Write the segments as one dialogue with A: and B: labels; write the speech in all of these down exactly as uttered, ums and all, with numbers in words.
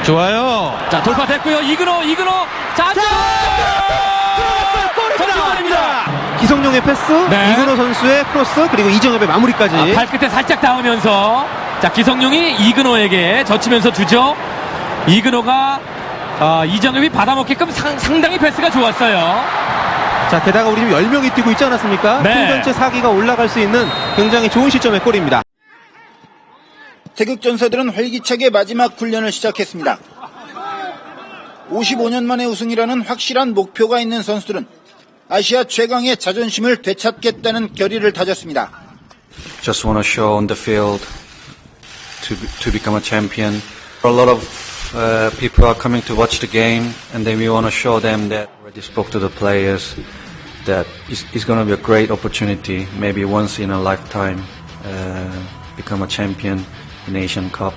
A: 좋아요.
B: 자, 돌파됐고요. 이근호, 이근호. 자,
A: 골입니다. 기성용의 패스,
B: 네.
A: 이근호 선수의 크로스, 그리고 이정엽의 마무리까지.
B: 아, 발끝에 살짝 닿으면서 자, 기성용이 이근호에게 젖히면서 주죠. 이근호가 아, 이정엽이 받아먹게끔 상, 상당히 패스가 좋았어요.
A: 자, 게다가 우리 지금 열 명이 뛰고 있지 않았습니까?
B: 네.
A: 팀 전체 사 기가 올라갈 수 있는 굉장히 좋은 시점의 골입니다.
C: 태극 전사들은 활기차게 마지막 훈련을 시작했습니다. 오십오 년 만에 우승이라는 확실한 목표가 있는 선수들은 아시아 최강의 자존심을 되찾겠다는 결의를 다졌습니다.
D: Just want to show on the field to to become a champion. A lot of uh, people are coming to watch the game, and then we want to show them that. Already spoke to the players that it's, it's going to be a great opportunity, maybe once in a lifetime, uh, become a champion in Asian Cup.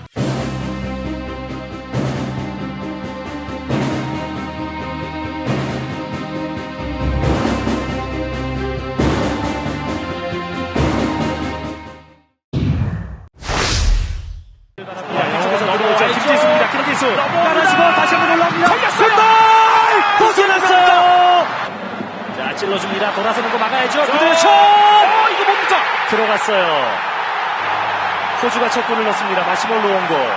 E: 김지수입니다. 김지수 깔아주고 다시 한번 올라옵니다. 걸렸습니다. 벗어났어요. 자, 찔러줍니다. 돌아서는 거 막아야죠. 그대로 슛. 어, 이거 뭡니까? 들어갔어요. 호주가 첫 골을 넣습니다. 마시몰로 원고.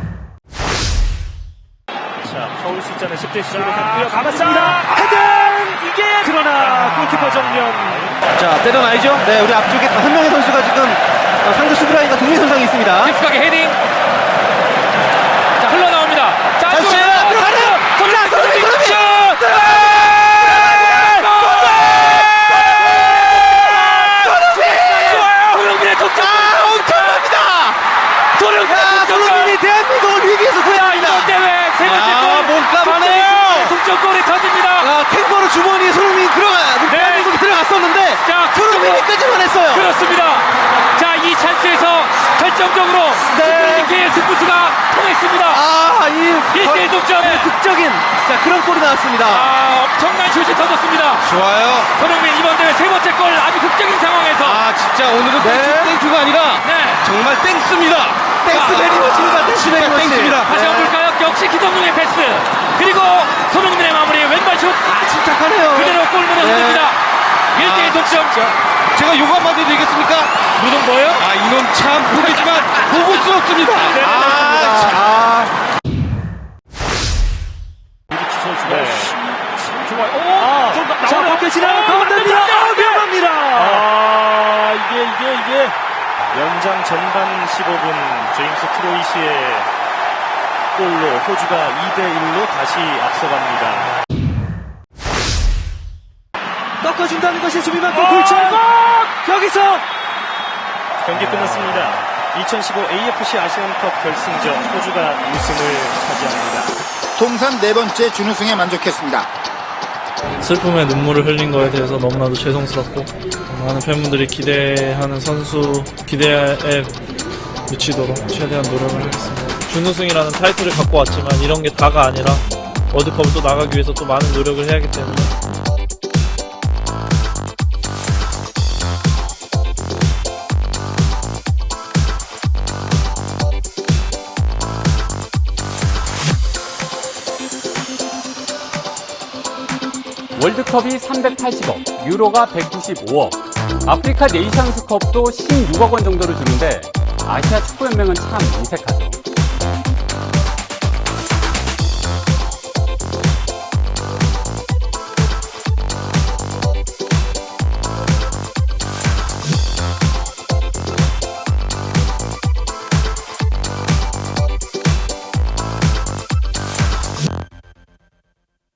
E: 자, 파울 숫자는 십 대 십으로 갔고요. 가봤습니다. 헤딩! 이게 그러나 골키퍼 정면.
A: 자, 때려놔야죠. 네, 우리 앞쪽에 한 명의 선수가 지금 어, 상대 수비라인과 동일 선상에 있습니다.
B: 깊숙하게 헤딩. 자, 흘러나옵니다. 자,
A: 다시
B: 안쪽으로
A: 들어가네요. 손흥민, 손흥민, 손흥민.
B: 슛! 손흥민의 독점!
A: 아, 엄청납니다.
B: 손흥민의
A: 야,
B: 독점!
A: 손흥민이 대한민국을 위기에서 구해합니다.
B: 이번 대회 세 번째
A: 아,
B: 골!
A: 몸값하네요.
B: 동점골이 터집니다!
A: 아, 캥거루 주머니에 손흥민이 들어가, 대한민국이 들어갔었는데
B: 자,
A: 손흥민이 끄집어냈어요.
B: 그렇습니다. 자, 이 찬스에서 결정적으로
A: 네.
B: 스프링케의 승부수가 통했습니다.
A: 아, 이
B: 일 대일 독점.
A: 극적인 자, 그런 골이 나왔습니다.
B: 아, 엄청난 슛이 터졌습니다.
A: 좋아요.
B: 손흥민 이번 대회 세 번째 골 아주 극적인 상황에서
A: 아, 진짜 오늘은
B: 네.
A: 땡큐가 아니라
B: 네.
A: 정말 땡스입니다. 땡스 베리머치입니다. 땡스 베리머치. 땡스입니다.
B: 다시 한번 볼까요? 역시 기성용의 패스. 그리고 손흥민의 마무리 왼발 슛.
A: 아, 침착하네요.
B: 그대로 골문에
A: 네.
B: 흔듭니다. 일 대일
A: 아,
B: 독점.
A: 제가 요거 한마디 되겠습니까?
B: 무슨 뭐예요?
A: 아, 이놈 참 보겠지만 보고스럽습니다.
B: 네,
A: 아,
B: 맞습니다.
A: 아.
E: 유리치 선수가 참 좋아요. 오! 아, 자, 밖에 지나가 가운데입니다. 아, 위험합니다. 아, 이게, 이게, 이게. 연장 전반 십오 분 제임스 트로이시의 골로 호주가 이 대 일로 다시 앞서갑니다. 꺾어준다는 것이 수비만큼 골치예요. 여기서 경기 끝났습니다. 이천십오 에이에프씨 아시안컵 결승전 호주가 우승을 차지합니다.
C: 통산 네 번째 준우승에 만족했습니다.
F: 슬픔의 눈물을 흘린 거에 대해서 너무나도 죄송스럽고 많은 팬분들이 기대하는 선수 기대에 미치도록 최대한 노력을 하겠습니다. 준우승이라는 타이틀을 갖고 왔지만 이런 게 다가 아니라 월드컵을 또 나가기 위해서 또 많은 노력을 해야 하기 때문에
G: 월드컵이 삼백팔십억, 유로가 백구십오억, 아프리카 네이션스컵도 십육억 원 정도를 주는데 아시아 축구연맹은 참 인색하죠.